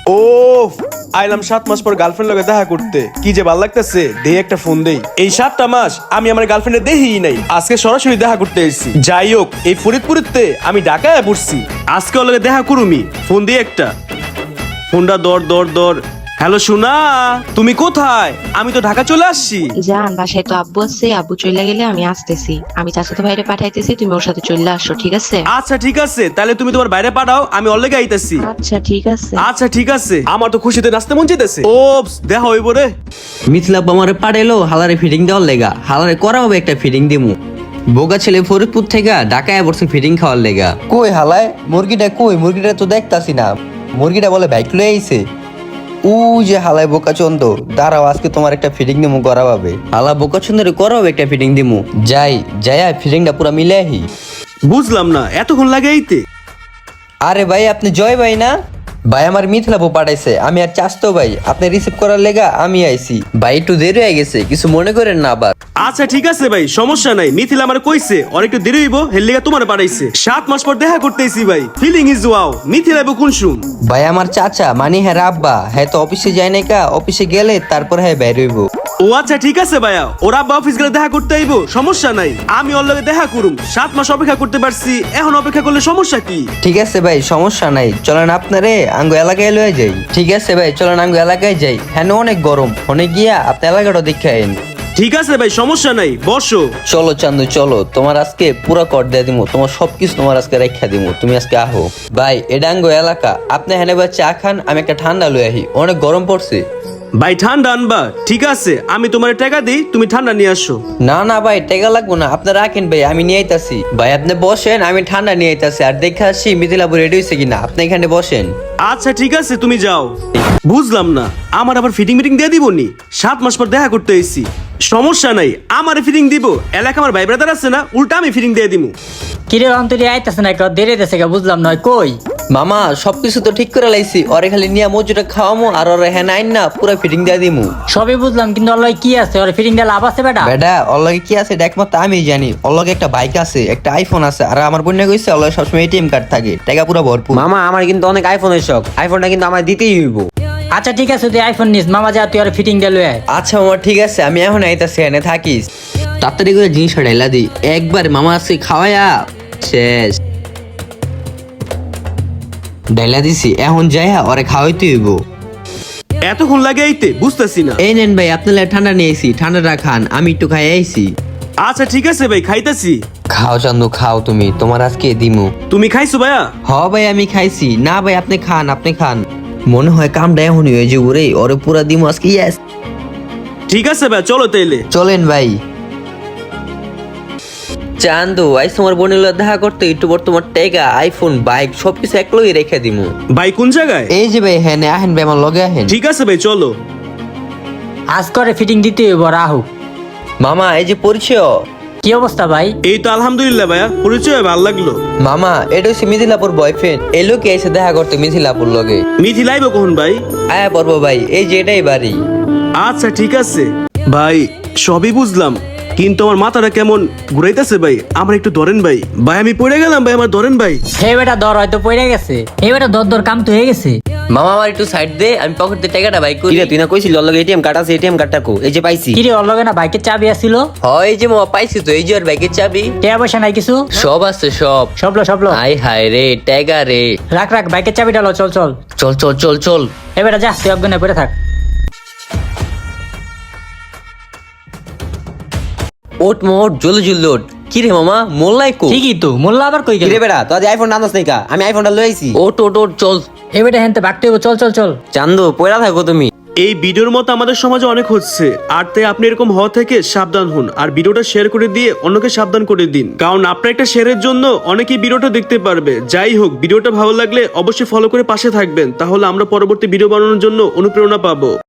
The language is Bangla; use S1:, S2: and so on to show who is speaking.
S1: ও আইলাম 7 মাস পর গার্লফ্রেন্ড লগে দেখা করতে, কি যে ভালো লাগতেছে। দেই একটা ফোন দেই। এই 7টা মাস আমি আমার গার্লফ্রেন্ডে দেখিই নাই, আজকে সরাসরি দেখা করতে এসেছি। যাই হোক, এই ফরিদপুরেতে আমি ঢাকায় পড়ছি, আজকে ওর লগে দেখা করুমি। ফোন দিয়ে একটা ফোনটা দর। হ্যালো সোনা, তুমি কোথায়? আমি তো ঢাকা চলে আসছি।
S2: জান, বাসায় তো আব্বু আছে, আব্বু চলে গেলে আমি আসতেছি। আমি চাচাতো ভাইরে পাঠাইতেছি, তুমি ওর সাথে চলে আসো, ঠিক আছে?
S1: আচ্ছা ঠিক আছে, তাহলে তুমি তোমার বাইরে পাঠাও, আমি ওর লগে আইতাছি।
S2: আচ্ছা ঠিক আছে।
S1: আচ্ছা ঠিক আছে, আমার তো খুশিতে নাচতে মন চাইতেছে। ওপস, দেখা হইব রে।
S3: মিথিলা আমারে পাঠাইলো হালারে ফিটিং দেওয়ার লেগা। হালারে করা হবে একটা ফিটিং দিমু। বোগা ছেলে ফরিদপুর থেকে ঢাকায় বসে ফিটিং খাওয়ার লেগা।
S4: কই হালায় মুরগিটা, কই মুরগিটা তো দেখতাছি না। মুরগিটা বলে বাইক লয়ে আইছে। ও যে হালায় বোকা চন্দ, দাঁড়াও আজকে তোমার একটা ফিটিং দিমু করা হবে।
S3: হালা বোকা সুন্দরে করা হবে একটা ফিটিং দিমু।
S4: যাই ফিটিংটা পুরা মিলে আহি।
S1: বুঝলাম না, এতক্ষণ লাগে এইতে?
S4: আরে ভাই, আপনি জয় ভাই না? ভাই আমার মিথিলা বউ পাঠাইছে, আমি আর চাস্তো ভাই আপনি রিসিভ করার লেগা আমি আইছি।
S3: ভাই একটু দেরি হয়ে গেছে, কিছু মনে করেন না আবার।
S1: আচ্ছা ঠিক আছে ভাই, সমস্যা নাই। মিথিলা আমার কইছে অনেকটা দেরি হইব, হেললিগা তোমার পাঠাইছে। 7 মাস পর দেখা করতেছি ভাই, ফিলিং ইজ ওয়াও। মিথিলা বউ কোন শুন?
S4: ভাই আমার চাচা মানে হ্যাঁ আব্বা, হ্যাঁ তো অফিসে যায় নাই কা, অফিসে গেলে তারপর হ্যাঁ বের হইব।
S1: ও আচ্ছা ঠিক আছে ভাইয়া, ওরা আব্বা অফিস গেলে দেখা করতে আইবো, সমস্যা নাই। আমি ওর লগে দেখা করুম। 7 মাস অপেক্ষা করতে পারছি, এখন অপেক্ষা করলে সমস্যা কি?
S4: ঠিক আছে ভাই, সমস্যা নাই, চলেন আপনারে আঙ্গু এলাকায় লয়ে যাই। ঠিক আছে ভাই, চলেন আঙ্গু এলাকায় যাই। হ্যাঁ অনেক গরম, অনেক গিয়া আপনি এলাকাটা দেখে আইন।
S1: ঠিক আছে ভাই, সমস্যা নাই, বসো।
S4: চলো চান্দু চলো, তোমার আজকে পুরা কর দিয়ে দিমু, তোমার সবকিছু তোমার আজকে রেখা দিমু, তুমি আজকে আহো। ভাই এটা আঙ্গু এলাকা, আপনি হ্যাঁ ভাই চা খান, আমি একটা ঠান্ডা লয়ে আহি, অনেক গরম পড়ছে।
S1: ভাই ঠান্ডা আনবা? ঠিক আছে, আমি তোমার টাকা দিই, তুমি ঠান্ডা নিয়ে আসো।
S4: না ভাই টেকা লাগবো না, আপনি রাখেন ভাই, আমি নিয়ে আইতাছি। ভাই আপনি বসেন, আমি ঠান্ডা নিয়ে আইতাছি। আর দেখে আসি মিথিলাবু রেডি হয়েছে কিনা, আপনি এখানে বসেন।
S1: আচ্ছা ঠিক আছে, তুমি যাও। বুঝলাম না, আমার আবার ফিটিং মিটিং দিয়ে দিব নি? 7 মাস পর দেখা করতে এসেছি, সমস্যা নাই, আমার ফিটিং দিব। এলাকা আমার ভাই ব্রাদার আছে না, উল্টা আমি ফিটিং দিয়ে দিব।
S5: কিরে অন্তরি আইতাছে না, একটু দেরি দেশে বুঝলাম নয় কই।
S4: মামা সবকিছু তো ঠিক করে লাইছি, ওরে খালি নিয়ে মজুটা খাওয়ামো আর ওরে হ্যাঁ আইন না পুরো ফিটিং দিয়ে দিমু।
S5: সবই বুঝলাম, কিন্তু ওর লগে কি আছে? ওর ফিটিং দিয়ে লাভ আছে বেটা?
S4: বেটা ওর লগে কি আছে এটা একমাত্র আমি জানি। ওর লগে একটা বাইক আছে, একটা আইফোন আছে, আর আমার বোন কইছে ওর লগে সবসময় এটিএম কার্ড থাকে, টাকা পুরো ভরপুর।
S6: মামা আমার কিন্তু অনেক আইফোনের শখ, আইফোনটা কিন্তু আমার দিতেই হইব।
S5: আচ্ছা ঠিক আছে, তুই আইফোন নিস, মামা যা তুই ওর ফিটিং দিয়ে লয়ে আয়।
S4: আচ্ছা মামা ঠিক আছে, আমি এখন আইতাছি, এনে থাকিস।
S3: তাড়াতাড়ি করে জিনিসটা ঢাইলা দি, একবার মামা আজকে খাওয়ায়া শেষ। ঢাইলা দিছি, এখন যাই ওরে খাওয়াইতে হইব।
S1: এতক্ষণ লাগে এইতে? বুঝতেছি না।
S3: এই নেন ভাই, আপনার লাগি ঠান্ডা নিয়ে আইছি, ঠান্ডাটা খান, আমি একটু খাই আইছি।
S1: আচ্ছা ঠিক আছে ভাই, খাইতাছি।
S4: খাও চান্দু খাও, তুমি তোমার আজকে দিমু।
S1: তুমি খাইছো ভাইয়া?
S4: হ ভাই আমি খাইছি। না ভাই আপনি খান, আপনি খান। মনে হয় কামটা এখনই হয়ে যাবো রে, ওরে পুরা দিমু আজকে। ইয়েস
S1: ঠিক আছে ভাই, চলো তাইলে।
S4: চলেন ভাই।
S3: চান্দু আইস তোমার বোনের লগে দেখা করতে, একটু পর তোমার টেকা আইফোন বাইক সবকিছু একলগে রেখে দিমু।
S1: ভাই কোন জায়গায়?
S4: এই যে ভাই, হ্যাঁ আহেন ভাই আমার লগে আহেন।
S1: ঠিক আছে ভাই, চলো।
S5: আজ করে ফিটিং দিতে হইব, রাহু।
S4: মামা এই যে পরিচয়।
S5: কি অবস্থা ভাই?
S1: এই তো আলহামদুলিল্লাহ ভাইয়া, পরিচয় ভালো লাগলো।
S4: মামা এটা হচ্ছে মিথিলাপুর বয়ফ্রেন্ড, এই লোকে এসে দেখা করতে মিথিলাপুর লগে।
S1: মিথি লাইবো কখন ভাই?
S4: আয়া পড়বো ভাই, এই যে এটাই বাড়ি।
S1: আচ্ছা ঠিক আছে ভাই, সবই বুঝলাম, কিন্তু আমার মাথাটা কেমন ঘুরাইতেছে ভাই, আমার একটু ধরেন ভাই। ভাই আমি পড়ে গেলাম ভাই, আমার ধরেন ভাই।
S5: হে বেটা দর হয়তো পড়ে গেছে, হে বেটা দর কাম তো হয়ে গেছে।
S3: মামা আমার একটু সাইড দে, আমি পকেট দিয়ে টাকাটা বাইক করি।
S6: কিরে তুই না কইছিলি ওর লগে এটিএম কার্ড আছে, এটিএম কার্ডটা কো? এই যে পাইছি।
S5: কিরে ওর লগে না বাইকের চাবি আছিল?
S3: হয় যে মামা পাইছি তো, এই যে ওর বাইকের চাবি।
S5: টাকা পয়সা নাই কিছু?
S3: সব আছে সব।
S5: সবলো
S3: আই হায় রে টাকা রে।
S5: রাখ বাইকের চাবিটা লো, চল।
S3: চল চল চল চল।
S5: হে বেটা যা, তুই অজ্ঞানে পড়ে থাক।
S3: ওট মোট জলদি ওট। কি রে মামা মোল্লাই কো?
S5: ঠিকই তো, মোল্লা আবার কই গেল?
S6: কিরে বেড়া তুই আজ আইফোন আনছ নাই কা? আমি আইফোনটা লই আইছি।
S3: ওট ওট ওট চল।
S5: হে বেটা হেনতে বাকতে হইব, চল।
S6: চান্দু পয়রা থাকো তুমি।
S1: এই ভিডিওর মতো আমাদের সমাজে অনেক হচ্ছে, আর তাই আপনি এরকম হওয়া থেকে সাবধান হন, আর ভিডিওটা শেয়ার করে দিয়ে অন্যকে সাবধান করে দিন, কারণ আপনার একটা শেয়ারের জন্য অনেকেই ভিডিওটা দেখতে পারবে। যাই হোক, ভিডিওটা ভালো লাগলে অবশ্যই ফলো করে পাশে থাকবেন, তাহলে আমরা পরবর্তী ভিডিও বানানোর জন্য অনুপ্রেরণা পাবো।